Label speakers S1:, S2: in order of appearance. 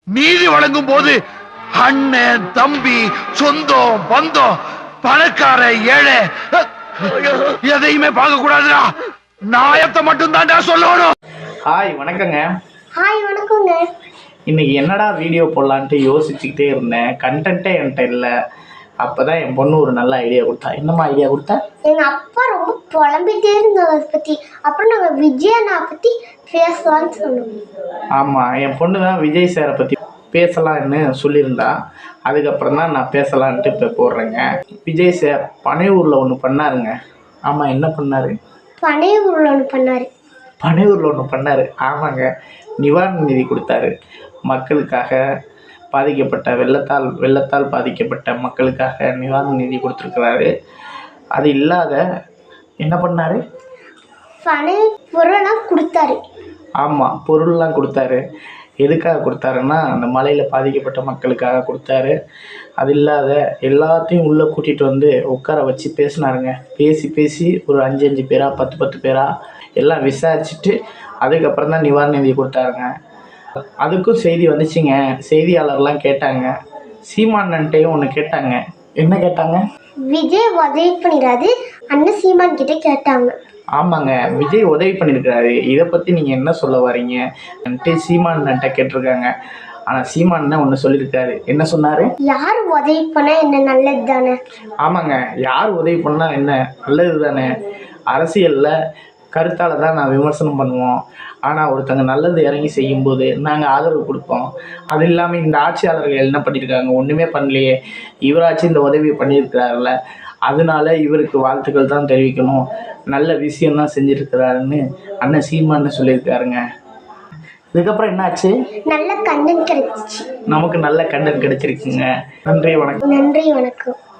S1: நீதி வழங்கும் போது அண்ணன் தம்பி சொந்தம் பந்தம் பணக்கார ஏழை எதையுமே பார்க்க கூடாதுடா. நாயத்தை மட்டும் தான்டா சொல்லணும்.
S2: ஹாய் வணக்கங்க.
S3: ஹாய் வணக்கங்க.
S2: இன்னைக்கு என்னடா வீடியோ போடலான்ட்டு யோசிச்சுக்கிட்டே இருந்தேன். கண்டென்ட்டே என்கிட்ட இல்லை. அப்போ தான் என் பொண்ணு ஒரு நல்ல ஐடியா கொடுத்தா. என்னம்மா ஐடியா கொடுத்தா?
S3: எங்கள் அப்பா ரொம்ப புலம்பிட்டே இருந்தாங்க அதை பற்றி. அப்புறம் நாங்கள் விஜய் அண்ணா பற்றி பேசலான்னு சொன்னோம்.
S2: ஆமாம், என் பொண்ணு தான் விஜய் சாரை பற்றி பேசலான்னு சொல்லியிருந்தா. அதுக்கப்புறம் தான் நான் பேசலான்ட்டு இப்போ போடுறேங்க. விஜய் சார் பனையூரில் ஒன்று பண்ணாருங்க. ஆமாம், என்ன பண்ணார்?
S3: பனையூரில் ஒன்று பண்ணார்.
S2: பனையூரில் ஒன்று பண்ணார். ஆமாங்க, நிவாரண நிதி கொடுத்தாரு. மக்களுக்காக பாதிக்கப்பட்ட வெள்ளத்தால் பாதிக்கப்பட்ட மக்களுக்காக நிவாரண நிதி கொடுத்துருக்குறாரு. அது இல்லாத என்ன பண்ணார்?
S3: பனை பொருளெல்லாம் கொடுத்தாரு.
S2: ஆமாம், பொருள்லாம் கொடுத்தாரு. எதுக்காக கொடுத்தாருன்னா அந்த மழையில் பாதிக்கப்பட்ட மக்களுக்காக கொடுத்தாரு. அது இல்லாத எல்லாத்தையும் உள்ளே கூட்டிகிட்டு வந்து உட்கார வச்சு பேசினாருங்க. பேசி ஒரு 5 பேரா 10 பேரா எல்லாம் விசாரிச்சுட்டு அதுக்கப்புறம் தான் நிவாரண நிதி கொடுத்தாருங்க. அதுக்கும் செய்தி வந்துச்சுங்க. செய்தியாளர்லாம் கேட்டாங்க. சீமானன்ட்டையும் ஒன்று கேட்டாங்க. என்ன கேட்டாங்க?
S3: விஜய் உதவி பண்ணிடாது அண்ணன் சீமான் கிட்ட கேட்டாங்க.
S2: ஆமாங்க, விஜய் உதவி பண்ணியிருக்காரு. இதை பற்றி நீங்கள் என்ன சொல்ல வரீங்க? சீமான்கிட்ட கேட்டிருக்காங்க. ஆனால் சீமான் ஒன்று சொல்லியிருக்காரு. என்ன சொன்னார்?
S3: யார் உதவி பண்ணால் என்ன நல்லது தானே.
S2: ஆமாங்க, யார் உதவி பண்ணால் என்ன நல்லது தானே. அரசியலில் கருத்தால் தான் நான் விமர்சனம் பண்ணுவோம். ஆனால் ஒருத்தங்க நல்லது இறங்கி செய்யும்போது நாங்கள் ஆதரவு கொடுப்போம். அது இல்லாமல் இந்த ஆட்சியாளர்கள் என்ன பண்ணியிருக்காங்க? ஒன்றுமே பண்ணலையே. இவராச்சும் இந்த உதவியை பண்ணியிருக்கிறாருல, அதனால இவருக்கு வாழ்த்துக்கள் தான் தெரிவிக்கணும். நல்ல விஷயம்தான் செஞ்சுருக்கிறாருன்னு அண்ணன் சீமான்னு சொல்லியிருக்காருங்க. இதுக்கப்புறம் என்னாச்சு?
S3: நல்ல கண்டென்ட் கிடைச்சிச்சு.
S2: நமக்கு நல்ல கண்டென்ட் கிடைச்சிருக்குங்க. நன்றி வணக்கம்.
S3: நன்றி வணக்கம்.